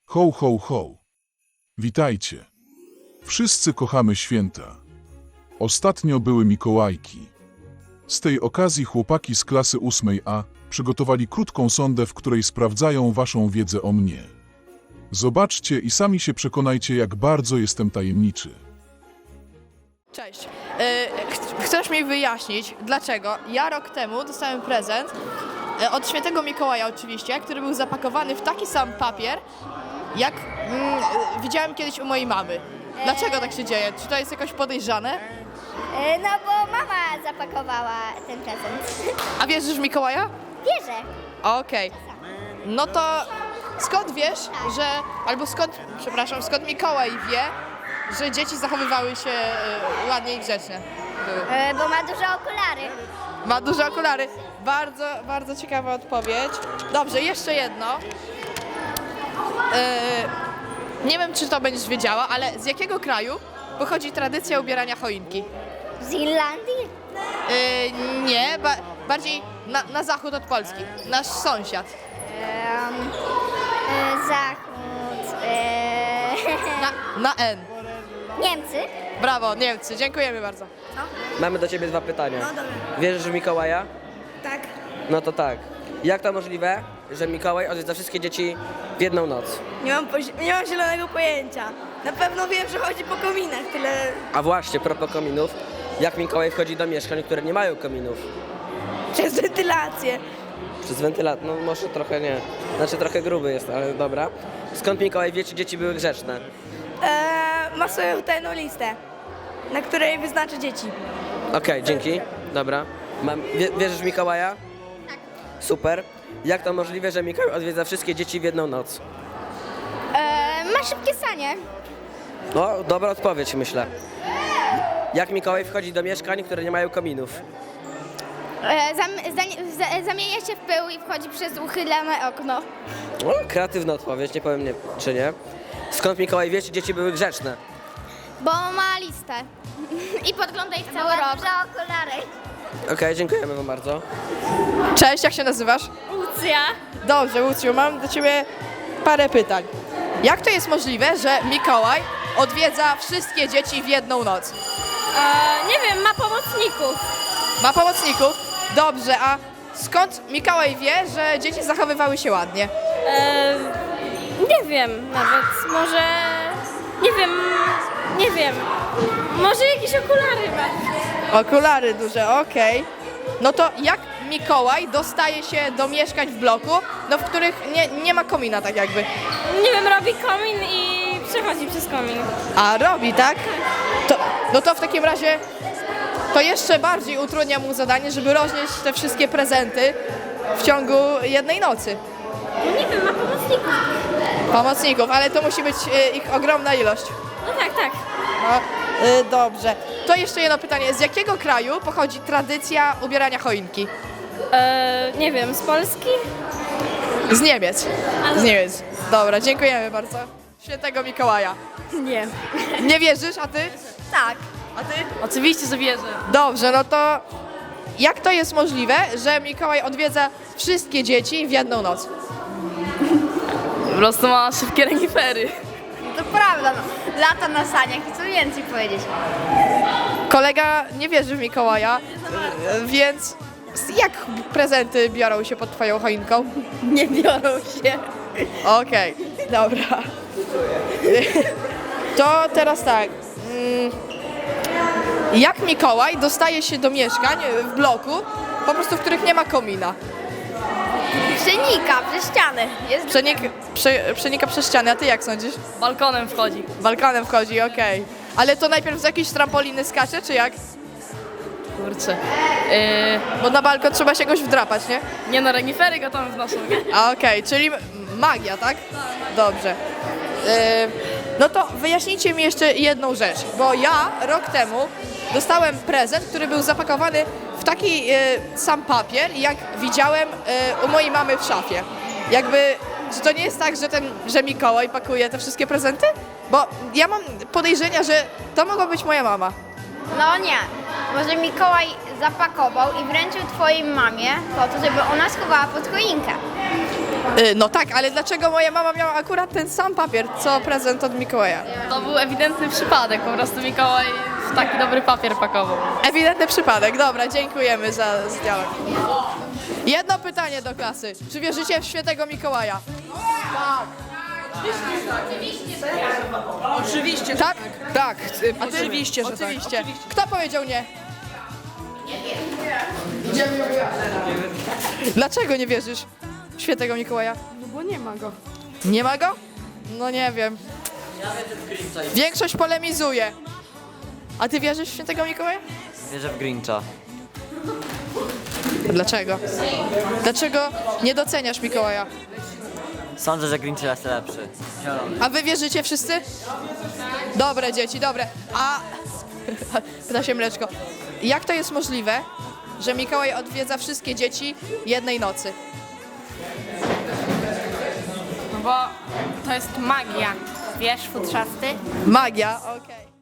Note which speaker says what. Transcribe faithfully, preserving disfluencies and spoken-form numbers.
Speaker 1: Ho, ho, ho. Witajcie. Wszyscy kochamy święta. Ostatnio były Mikołajki. Z tej okazji chłopaki z klasy ósmej A przygotowali krótką sondę, w której sprawdzają waszą wiedzę o mnie. Zobaczcie i sami się przekonajcie, jak bardzo jestem tajemniczy.
Speaker 2: Cześć. Yy, ch- chcesz mi wyjaśnić, dlaczego ja rok temu dostałem prezent yy, od świętego Mikołaja oczywiście, który był zapakowany w taki sam papier, jak mm, yy, widziałem kiedyś u mojej mamy. Dlaczego tak się dzieje? Czy to jest jakoś podejrzane?
Speaker 3: E, No bo mama zapakowała ten prezent.
Speaker 2: A wierzysz w Mikołaja?
Speaker 3: Wierzę.
Speaker 2: Okej. No to skąd wiesz, że... Albo skąd, przepraszam, skąd Mikołaj wie, że dzieci zachowywały się yy, ładnie i grzecznie? Były.
Speaker 3: E, Bo ma duże okulary.
Speaker 2: Ma duże okulary. Bardzo, bardzo ciekawa odpowiedź. Dobrze, jeszcze jedno. Yy, nie wiem, czy to będziesz wiedziała, ale z jakiego kraju pochodzi tradycja ubierania choinki?
Speaker 3: Z Irlandii?
Speaker 2: Yy, nie, ba bardziej na, na zachód od Polski. Nasz sąsiad.
Speaker 3: Em, e, Zachód. E,
Speaker 2: Na, na N.
Speaker 3: Niemcy?
Speaker 2: Brawo, Niemcy. Dziękujemy bardzo.
Speaker 4: Mamy do ciebie dwa pytania. No dobra. Wierzysz w Mikołaja?
Speaker 5: Tak.
Speaker 4: No to tak. Jak to możliwe, że Mikołaj odwiedza wszystkie dzieci w jedną noc?
Speaker 5: Nie mam, pozi- nie mam zielonego pojęcia. Na pewno wiem, że chodzi po kominach, tyle...
Speaker 4: A właśnie, propos kominów, jak Mikołaj wchodzi do mieszkań, które nie mają kominów?
Speaker 5: Przez wentylację.
Speaker 4: Przez wentylat, no może trochę nie. Znaczy trochę gruby jest, ale dobra. Skąd Mikołaj wie, czy dzieci były grzeczne?
Speaker 5: Eee, ma swoją tajną listę, na której wyznaczy dzieci.
Speaker 4: Okej, dzięki. Dobra. Mam, wie, wierzysz w Mikołaja? Tak. Super. Jak to możliwe, że Mikołaj odwiedza wszystkie dzieci w jedną noc?
Speaker 3: E, ma szybkie sanie.
Speaker 4: No, dobra odpowiedź, myślę. Jak Mikołaj wchodzi do mieszkań, które nie mają kominów?
Speaker 3: E, zam, za, za, zamienia się w pył i wchodzi przez uchylone okno.
Speaker 4: No, kreatywna odpowiedź, nie powiem nie, czy nie. Skąd Mikołaj wie, czy dzieci były grzeczne?
Speaker 3: Bo ma listę. I podgląda ich cały rok. Duże okulary.
Speaker 4: Okej, dziękujemy wam bardzo.
Speaker 2: Cześć, jak się nazywasz?
Speaker 3: Lucja.
Speaker 2: Dobrze, Łucju, mam do ciebie parę pytań. Jak to jest możliwe, że Mikołaj odwiedza wszystkie dzieci w jedną noc?
Speaker 3: E, nie wiem, ma pomocników.
Speaker 2: Ma pomocników? Dobrze, a skąd Mikołaj wie, że dzieci zachowywały się ładnie?
Speaker 6: Eee, nie wiem nawet, może, nie wiem, nie wiem, może jakieś okulary ma.
Speaker 2: Okulary duże, okej. No to jak Mikołaj dostaje się do mieszkań w bloku, no w których nie, nie ma komina tak jakby?
Speaker 6: Nie wiem, robi komin i przechodzi przez komin.
Speaker 2: A robi, tak? To, no to w takim razie to jeszcze bardziej utrudnia mu zadanie, żeby roznieść te wszystkie prezenty w ciągu jednej nocy.
Speaker 6: No nie wiem, ma pomocników.
Speaker 2: Pomocników, ale to musi być y, ich ogromna ilość.
Speaker 6: No tak, tak.
Speaker 2: No, y, dobrze. To jeszcze jedno pytanie. Z jakiego kraju pochodzi tradycja ubierania choinki?
Speaker 6: Eee, nie wiem, z Polski?
Speaker 2: Z Niemiec. Z Niemiec. Dobra, dziękujemy bardzo. Świętego Mikołaja.
Speaker 6: Nie.
Speaker 2: Nie wierzysz, a ty?
Speaker 6: Tak.
Speaker 2: A ty?
Speaker 6: Oczywiście, że wierzę.
Speaker 2: Dobrze, no to jak to jest możliwe, że Mikołaj odwiedza wszystkie dzieci w jedną noc?
Speaker 6: Po prostu ma szybkie renifery.
Speaker 5: To prawda, no. Lata na saniach i co więcej powiedzieć.
Speaker 2: Kolega nie wierzy w Mikołaja, więc jak prezenty biorą się pod twoją choinką?
Speaker 5: Nie biorą się.
Speaker 2: Okej, dobra. To teraz tak. mm, Jak Mikołaj dostaje się do mieszkań w bloku, po prostu w których nie ma komina?
Speaker 5: Przenika przez ściany. Jest
Speaker 2: Przenik, prze, przenika przez ściany, a ty jak sądzisz?
Speaker 6: Balkonem wchodzi.
Speaker 2: Balkonem wchodzi, okej. Ale to najpierw z jakiejś trampoliny skacze, czy jak?
Speaker 6: Kurczę. Eee,
Speaker 2: Bo na balkon trzeba się jakoś wdrapać, nie?
Speaker 6: nie no, renifery go tam wnoszą, nie?
Speaker 2: A okej, czyli m- magia, tak? Dobrze. Yy, no to wyjaśnijcie mi jeszcze jedną rzecz, bo ja rok temu dostałem prezent, który był zapakowany w taki yy, sam papier, jak widziałem yy, u mojej mamy w szafie. Jakby, czy to nie jest tak, że ten, że Mikołaj pakuje te wszystkie prezenty? Bo ja mam podejrzenia, że to mogła być moja mama.
Speaker 3: No nie. Może Mikołaj zapakował i wręczył twojej mamie po to, żeby ona schowała pod choinkę.
Speaker 2: Y, No tak, ale dlaczego moja mama miała akurat ten sam papier, co prezent od Mikołaja?
Speaker 7: To był ewidentny przypadek, po prostu Mikołaj w taki dobry papier pakował.
Speaker 2: Ewidentny przypadek, dobra, dziękujemy za za dialog. Jedno pytanie do klasy. Czy wierzycie w świętego Mikołaja?
Speaker 5: Oczywiście,
Speaker 2: Tak? Tak. A ty?
Speaker 5: Oczywiście, że tak.
Speaker 2: Oczywiście. Kto powiedział nie? Dlaczego nie wierzysz w świętego Mikołaja?
Speaker 5: No bo nie ma go.
Speaker 2: Nie ma go? No nie wiem. Większość polemizuje. A ty wierzysz w świętego Mikołaja?
Speaker 8: Wierzę w Grincha.
Speaker 2: Dlaczego? Dlaczego nie doceniasz Mikołaja?
Speaker 8: Sądzę, że Grinch jest lepszy. Zielony.
Speaker 2: A wy wierzycie wszyscy? Dobre dzieci, dobre. A pyta się Mleczko, jak to jest możliwe, że Mikołaj odwiedza wszystkie dzieci jednej nocy?
Speaker 6: No bo to jest magia. Wiesz, futrzasty?
Speaker 2: Magia, okej.